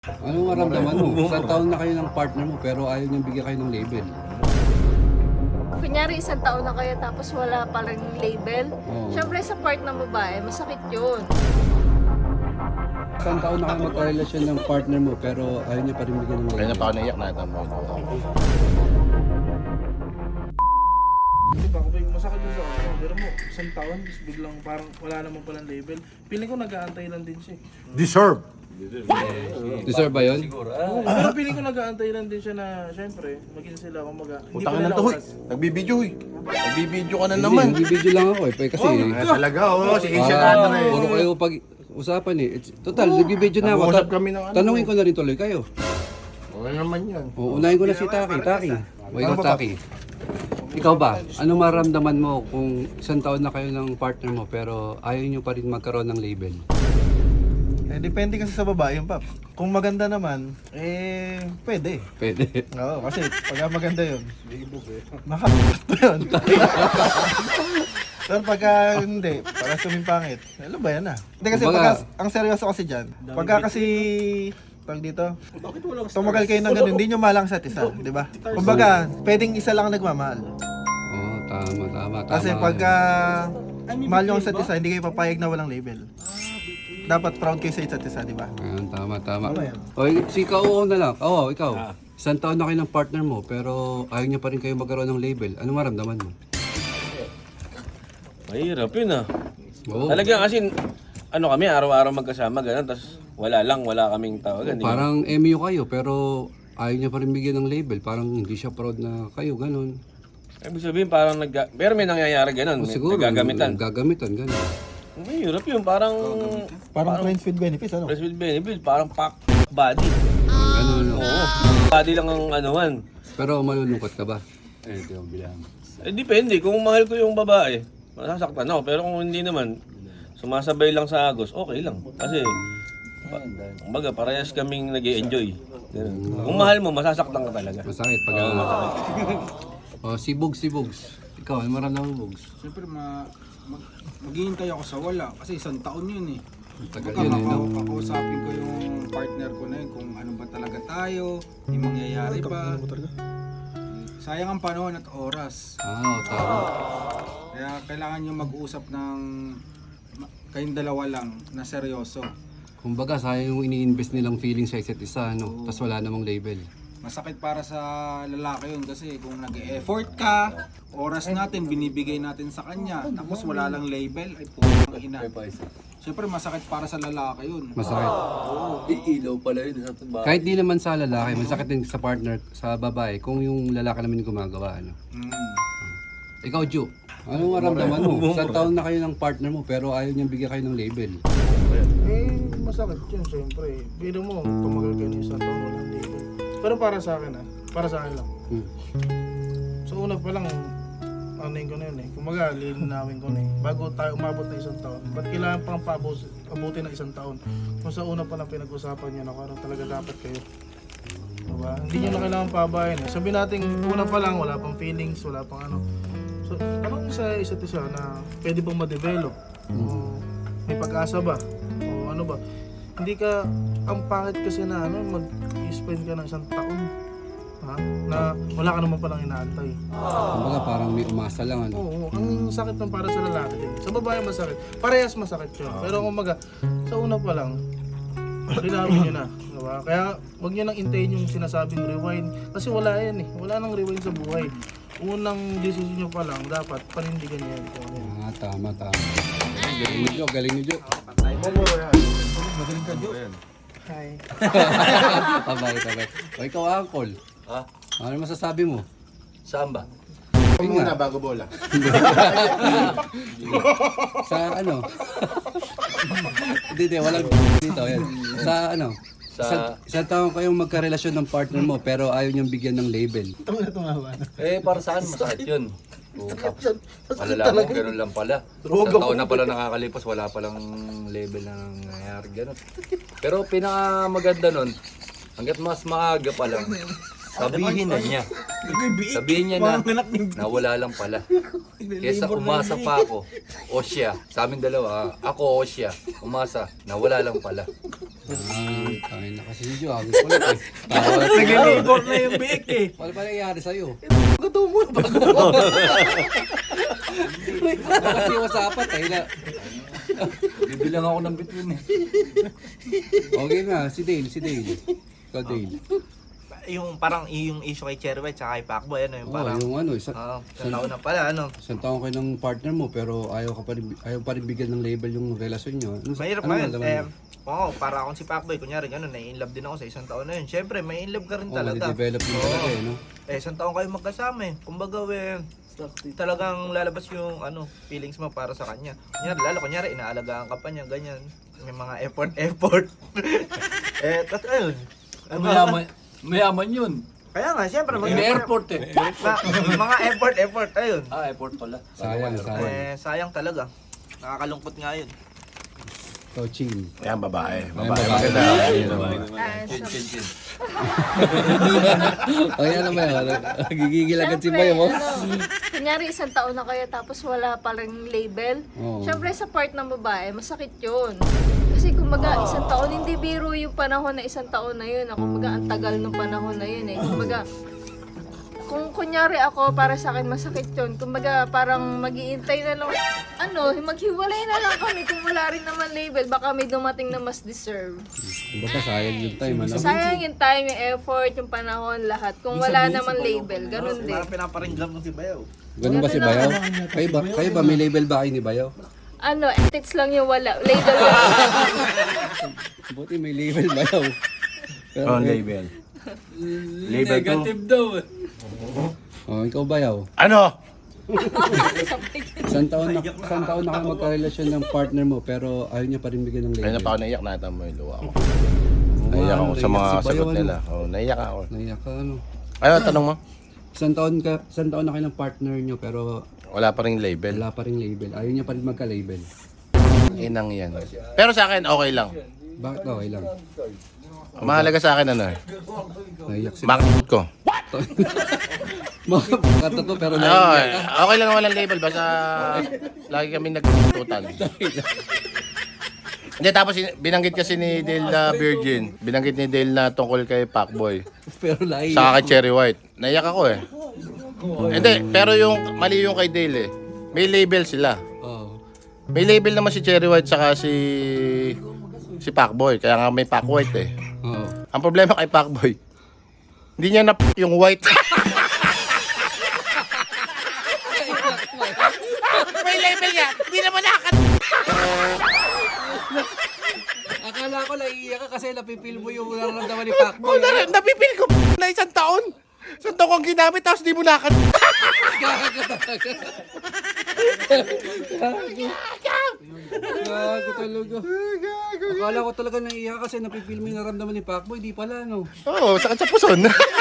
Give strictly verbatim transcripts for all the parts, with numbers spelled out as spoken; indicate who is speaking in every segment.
Speaker 1: Anong maramdaman mo? Isang taon na kayo ng partner mo pero ayaw niyang bigyan kayo ng label.
Speaker 2: Kunyari isang taon na kayo tapos wala palang label.
Speaker 1: Oo.
Speaker 2: Siyempre sa part ng babae, masakit yun.
Speaker 1: Isang taon na kayo magkarelasyon ng partner mo pero ayaw niya pa rin bigyan ng
Speaker 3: Kaya na
Speaker 1: label.
Speaker 3: pa ako naiyak na mo ito.
Speaker 4: Di ba, kung masakit yun sa ano, pero mo, isang taon, tapos biglang parang wala naman palang label. Piling ko nag-aantay lang din siya.
Speaker 3: Deserve!
Speaker 1: Deserve ba yun?
Speaker 4: Oo, pero piling ko nag-aantay lang din siya na, syempre, maging sila kumaga. Hindi
Speaker 3: Putang
Speaker 4: pa
Speaker 3: na
Speaker 4: nila
Speaker 3: to, hoy.
Speaker 4: oras.
Speaker 3: Nagbibideo, hoy. Nagbibideo ka na
Speaker 1: Hindi,
Speaker 3: naman.
Speaker 1: nagbibideo lang ako eh. pa- Kasi
Speaker 3: Ah, talaga, oh. Si Asia
Speaker 1: para
Speaker 3: na na eh.
Speaker 1: puro kayo pag usapan eh. It's, total, nagbibideo na ako.
Speaker 3: Nag-uusap
Speaker 1: Ta-
Speaker 3: kami ng ano.
Speaker 1: Tanungin ko na rin tuloy kayo.
Speaker 3: Ano naman yan?
Speaker 1: O, unahin ko na si Taki. Taki. O ikaw, Taki. Ikaw ba? Anong maramdaman mo kung isang taon na kayo ng partner mo pero ayaw niyo pa rin magkaroon ng label?
Speaker 5: Eh, depende kasi sa babae yung Paps. Kung maganda naman, eh, pwede.
Speaker 1: Pwede.
Speaker 5: Oo, kasi pagka maganda yun, makakapot yun. Pero pagka hindi, para suming pangit, ano ba yan ah? Hindi kasi
Speaker 1: Kumbaga-
Speaker 5: pagka, ang seryoso kasi dyan, pagka kasi, pag dito, tumagal kayo ng ganun, hindi nyo malang sa isa, di ba? Kumbaga, pwedeng isa lang ang nagmamahal.
Speaker 1: Oo, tama, tama, tama.
Speaker 5: Kasi pagka mahal nyo ang isa't isa, hindi kayo papayag na walang label. Dapat proud kayo sa isa't isa, di ba?
Speaker 1: Ayan, tama, tama.
Speaker 5: Tama yan.
Speaker 1: O, si Kauo na lang. Oo, ikaw. Isang taon na kayo ng partner mo, pero ayaw niya pa rin kayo magkaroon ng label. Ano maramdaman mo?
Speaker 6: Mahirap yun ah.
Speaker 1: Oo.
Speaker 6: Talagang kasi, ano kami, araw-araw magkasama, gano'n, tapos wala lang, wala kaming tawagan. di ba?
Speaker 1: Parang M U kayo, pero ayaw niya pa rin bigyan ng label. Parang hindi siya proud na kayo, ganun.
Speaker 6: Ibig sabihin, parang nag... Pero may nangyayari gano'n,
Speaker 1: O,
Speaker 6: may
Speaker 1: siguro,
Speaker 6: nagagamitan.
Speaker 1: Gagamitan, ganun.
Speaker 6: Mahirap yun, parang...
Speaker 5: Parang friends with benefits, ano?
Speaker 6: Friends with benefit, parang pack body.
Speaker 1: Ganun, no?
Speaker 6: Oo. Body lang ang anuhan.
Speaker 1: Pero malulungkot ka ba? Eh, ito yung bilang.
Speaker 6: Eh, depende. Kung mahal ko yung babae, masasaktan ako. Pero kung hindi naman, sumasabay lang sa agos, okay lang. Kasi, pa- kumbaga, parehas kaming nag enjoy Kung mahal mo, masasaktan ka talaga.
Speaker 1: Masakit pag O, si Bugs, si Bugs. Ikaw, ano maramdaman mo, Bugs?
Speaker 7: Siyempre, ma mag maghihintay ako sa wala kasi isang taon yun eh.
Speaker 1: Tagal
Speaker 7: Baka
Speaker 1: yun, eh, no?
Speaker 7: maka- kakausapin ko yung partner ko na yun kung ano ba talaga tayo, yung mangyayari pa. Sayang ang panahon at oras.
Speaker 1: Ah, tama.
Speaker 7: Kaya kailangan nyo mag-usap ng ma- kayong dalawa lang na seryoso.
Speaker 1: Kumbaga, sayang yung ini-invest nilang feeling sa isa't isa, no? Tapos wala namang label.
Speaker 7: Masakit para sa lalaki yun kasi kung nag-e-effort ka, oras natin binibigay natin sa kanya, tapos wala lang label, ay putang ina. Siyempre masakit para sa lalaki yun.
Speaker 1: Masakit.
Speaker 6: Ilaw pala yun sa tuba.
Speaker 1: Kahit di naman sa lalaki, masakit din sa partner, sa babae, kung yung lalaki naman yung gumagawa, ano?
Speaker 7: Mm.
Speaker 1: Ikaw, Ju, anong maramdaman mo? Isang taon na kayo ng partner mo, pero ayaw niyang bigyan kayo ng label.
Speaker 4: Eh, masakit yun, syempre. Biro mo, tumagal kayo ng isang taon, walang label. Pero para sa akin ah, para sa akin lang.
Speaker 1: Hmm.
Speaker 4: So una pa lang, ano yun ko na yun eh. Kumaga, lilinawin ko na eh. Bago tayo umabot na isang taon. Ba't kailangan pang pabos, abutin ng isang taon? Kung sa una pa lang pinag-usapan nyo na kung ano talaga dapat kayo. Diba? Hindi nyo na kailangan pabayan eh. Sabi natin, una pa lang, wala pang feelings, wala pang ano. So, tanong sa isa't isa na pwede bang ma-develop? O may pag-asa ba? O ano ba? Hindi ka, ang pangit kasi na ano, mag-spend ka ng isang taon. Ha? Na wala ka naman palang inaantay.
Speaker 1: Kumbaga, parang may umasa lang, ano?
Speaker 4: Oo, ang sakit ng para sa lalaki din. Sa babae masakit. Parehas masakit yun. Pero kumaga, sa una pa lang, linawin nyo na. Diba? Kaya wag nyo nang intayin yung sinasabing rewind. Kasi wala yan eh. Wala nang rewind sa buhay. Unang decision nyo pa lang, dapat panindigan nyo yan. Kung ano yan.
Speaker 1: Ah, tama, tama. Galing ni Jo, galing ni Jo.
Speaker 5: Magaling ka, Jo.
Speaker 4: Hi.
Speaker 1: Tabay, tabay. O ikaw, Uncle.
Speaker 6: Ha?
Speaker 1: Ano masasabi mo?
Speaker 6: Saan ba?
Speaker 3: Huwag muna bago bola.
Speaker 1: Sa ano? Hindi, hindi, walang dito. Yan. Sa ano?
Speaker 6: Sa-
Speaker 1: Sa, isang taon kayong magkarelasyon ng partner mo pero ayaw niyang bigyan ng label.
Speaker 5: Ito na tumawa na.
Speaker 8: Eh, para saan masakit yun? O, tapos, malalaman mo, ganun lang pala. Sa taon na pala nakakalipas, wala palang label na nangyayari, ganun. Pero pinakamaganda nun, hanggat mas maaga pa lang, sabihin na niya. Sabihin niya na, na wala lang pala. Kesa umasa pa ako, o siya, sa amin dalawa, ako o siya, umasa, na wala lang pala.
Speaker 1: Ah, kain na kasi si Jo. Agos ko lang eh. Tawa.
Speaker 7: Nag-labor na yung biik eh.
Speaker 1: Paano ba nangyari sa'yo?
Speaker 5: Gusto mo ba?
Speaker 1: Kasi usapan tayo na.
Speaker 8: Bibilang ako ng between eh.
Speaker 1: Okay na, si Dale, si Dale. Ikaw Dale.
Speaker 9: Yung parang yung issue kay Cherry White tsaka kay Pacboy, ano yung
Speaker 1: Oo,
Speaker 9: parang
Speaker 1: yung ano, isa,
Speaker 9: ah, sa taon na pala, ano.
Speaker 1: isang taon kayo ng partner mo pero ayaw ka pa rin, ayaw pa rin bigyan ng label yung relasyon nyo. Ano,
Speaker 9: Mahirap
Speaker 1: ano
Speaker 9: nga yun.
Speaker 1: nalaman
Speaker 9: Eh,
Speaker 1: mo?
Speaker 9: oo, para akong si Pacboy, kunyari gano'n, na-inlove din ako sa isang taon na yun. Siyempre, may inlove ka rin
Speaker 1: Oo,
Speaker 9: talaga.
Speaker 1: madidevelop din talaga eh, no?
Speaker 9: Eh, isang taon kayo magkasama eh. Kumbaga, eh, talagang lalabas yung ano feelings mo para sa kanya. Kunyari, lalo kunyari, inaalagaan ka pa niya, ganyan. May mga effort-effort. eh, at ayun.
Speaker 8: Mayaman, mayaman yun.
Speaker 9: Kaya nga, siyempre,
Speaker 8: May
Speaker 9: mga
Speaker 8: airport eh.
Speaker 9: Ma- mga effort-effort, ayun.
Speaker 8: Ah, airport pala.
Speaker 1: Sayang, sayang.
Speaker 9: Eh, sayang talaga. Nakakalungkot nga yun.
Speaker 1: Coaching.
Speaker 3: Yan, babae.
Speaker 1: Ayan,
Speaker 3: Babae.
Speaker 1: babae.
Speaker 3: Maganda.
Speaker 2: Ah,
Speaker 8: Chin,
Speaker 2: so-
Speaker 8: chin, chin.
Speaker 1: Okay, ano ba yun? Gigigil agad si
Speaker 2: Siyempre,
Speaker 1: Bayo mo?
Speaker 2: ano, kunyari isang taon na kayo tapos wala palang label.
Speaker 1: Oo.
Speaker 2: Siyempre sa part ng babae, masakit yun. Kasi kumbaga isang taon, hindi biro yung panahon na isang taon na yun. Kumbaga ang tagal ng panahon na yun eh. Kumbaga, kung kunyari ako, para sa akin masakit yun. Kumbaga parang mag-iintay na lang, ano, maghiwalay na lang kami kung wala rin naman label. Baka may dumating na mas deserve.
Speaker 1: Baka sayang yung time, ano?
Speaker 2: Sayang yung time, yung effort, yung panahon, lahat. Kung wala naman label, ganun din.
Speaker 9: Parang pinaparinggan mo si Bayaw.
Speaker 1: Ganun ba si Bayo? Kayo ba, kayo ba may label ba kayo ni Bayo?
Speaker 2: Ano, ethics lang yung wala. Label wala.
Speaker 1: Buti may label Bayo. Pero,
Speaker 3: Oh, label. Label to.
Speaker 8: Negative daw eh.
Speaker 1: Oh, ikaw Bayo.
Speaker 3: Ano?
Speaker 1: Isang taon na, isang taon na kayo magkarelasyon ng partner mo pero ayaw niya pa rin bigyan ng
Speaker 3: Kaya na
Speaker 1: label.
Speaker 3: pa ako naiyak, nakita mo yung luha ko.
Speaker 1: Oo,
Speaker 3: Naiyak
Speaker 1: ano,
Speaker 3: ako sa mga
Speaker 1: si Bayo,
Speaker 3: sagot
Speaker 1: ano?
Speaker 3: nila. Oh, naiyak ako.
Speaker 1: Naiyak ka, ano?
Speaker 3: Ano, tanong mo?
Speaker 1: Isang taon ka, isang taon na kayo ng partner niyo pero
Speaker 3: Wala pa rin label.
Speaker 1: wala pa rin label. Ayaw niya pa rin magka-label.
Speaker 3: Inang yan. Pero sa akin, okay lang.
Speaker 1: Bakit okay lang?
Speaker 3: Mahalaga sa akin, ano eh.
Speaker 1: Naiyak si
Speaker 3: Makakit ko.
Speaker 1: Mga katato pero
Speaker 3: Oo,
Speaker 1: naiyak
Speaker 3: eh,
Speaker 1: ka.
Speaker 3: okay lang walang label. Basta lagi kami nagtututan. Hindi, tapos in- binanggit kasi ni Dale na virgin. Binanggit ni Dale na tungkol kay Pacboy.
Speaker 1: Pero naiyak.
Speaker 3: Saka kay Cherry White. Naiyak ako eh. Hindi, pero yung mali yung kay Dale eh. May label sila.
Speaker 1: Oh.
Speaker 3: May label naman si Cherry White saka si si Pacboy. Kaya nga may Pac White eh.
Speaker 1: Oo.
Speaker 3: Ang problema kay Pacboy, hindi niya na yung white. May label niya. Hindi naman nakat.
Speaker 1: Akala ko naiiyak ka kasi napipil mo yung nararamdaman ni Pacboy.
Speaker 3: Na, napipil ko na isang taon. Isang taon kong ginamit tapos di mo nakat.
Speaker 1: Gago talaga. Akala ko talaga naiiyak ka kasi napipil mo yung nararamdaman ni Pacboy. Di pala, no?
Speaker 3: Oo, oh, sakit sa puson.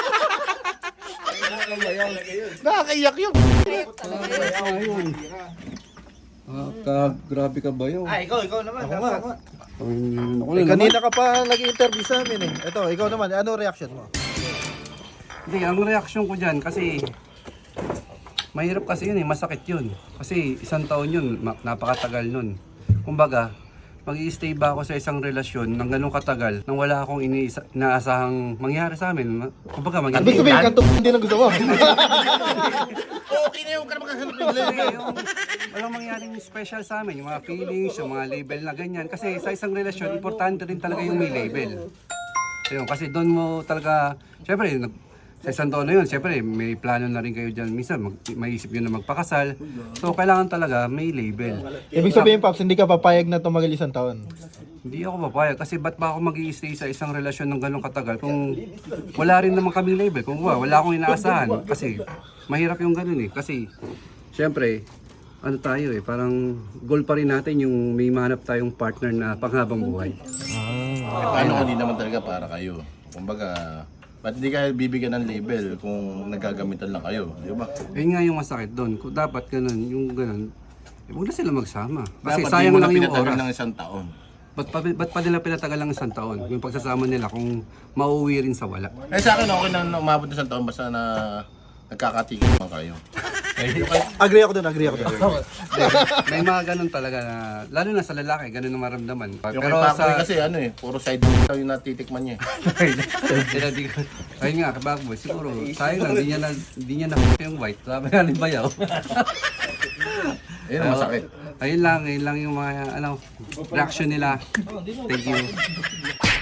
Speaker 3: Nakakaiyak yun.
Speaker 1: Ayun. Ah, ka, grabe ka ba yun?
Speaker 9: Ah, ikaw, ikaw naman.
Speaker 5: Ako nga.
Speaker 1: Ayun, ako
Speaker 5: Eh,
Speaker 1: na naman.
Speaker 5: kanina ka pa nag-interview sa amin eh. Ito, ikaw naman, ano reaction mo?
Speaker 1: Hindi, ang reaction ko dyan kasi mahirap kasi yun eh, masakit yun. Kasi isang taon yun, ma- napakatagal nun. Kumbaga, mag-i-stay ba ako sa isang relasyon ng ganun katagal nang wala akong iniisa, inaasahang mangyari sa amin? Ma- Kumbaga,
Speaker 5: Ibig
Speaker 1: mangyari.
Speaker 5: sabihin, kanto hindi na gusto mo.
Speaker 3: Okay na yung ka na magkahanap ng
Speaker 1: Hindi, yung walang mangyaring special sa amin, yung mga feelings, yung mga label na ganyan. Kasi sa isang relasyon, importante rin talaga yung may label. Ayun, kasi doon mo talaga, syempre, nag- sa isang taon na yun, syempre, may plano na rin kayo dyan. Minsan, mag, maisip nyo na magpakasal. So, kailangan talaga may label.
Speaker 5: Ibig sabihin, Paps, hindi ka papayag na tumagal isang taon.
Speaker 1: Hindi ako papayag kasi ba't ba ako mag-i-stay sa isang relasyon ng ganong katagal kung wala rin naman kaming label, kung wala, wala akong inaasahan. Kasi mahirap yung ganon eh. Kasi, syempre, ano tayo eh, parang goal pa rin natin yung may mahanap tayong partner na panghabang buhay.
Speaker 3: Paano kung hindi naman talaga para kayo? Kumbaga, ba't hindi kayo bibigyan ng label kung nagagamitan lang kayo? Di ba?
Speaker 1: Ayun nga yung masakit doon. Kung dapat ganun, yung ganun, eh, huwag na sila magsama. Kasi
Speaker 3: Dapat
Speaker 1: sayang
Speaker 3: di mo
Speaker 1: lang
Speaker 3: na
Speaker 1: yung
Speaker 3: pinatagal
Speaker 1: oras.
Speaker 3: ng isang taon.
Speaker 1: Ba't pa, ba't pa nila pinatagal lang isang taon? Yung pagsasama nila kung mauwi rin sa wala.
Speaker 3: Eh sa akin, okay na na umabot ng isang taon basta na nagkakatikip man kayo.
Speaker 5: Agree ako dun, agree ako dun.
Speaker 1: May mga ganun talaga na, lalo na sa lalaki, ganun ang maramdaman.
Speaker 3: Yung
Speaker 1: Pero
Speaker 3: kay Pacboy
Speaker 1: sa...
Speaker 3: kasi ano eh, puro side lang yung natitikman niya eh.
Speaker 1: Kaya di ko... Ayun nga, kabagboy, siguro, sayang lang, di niya na, di niya na yung white. Sabi nga ni Bayaw.
Speaker 3: Ayun ang masakit.
Speaker 1: Ayun lang, ayun lang yung mga, ano, reaction nila. Thank you.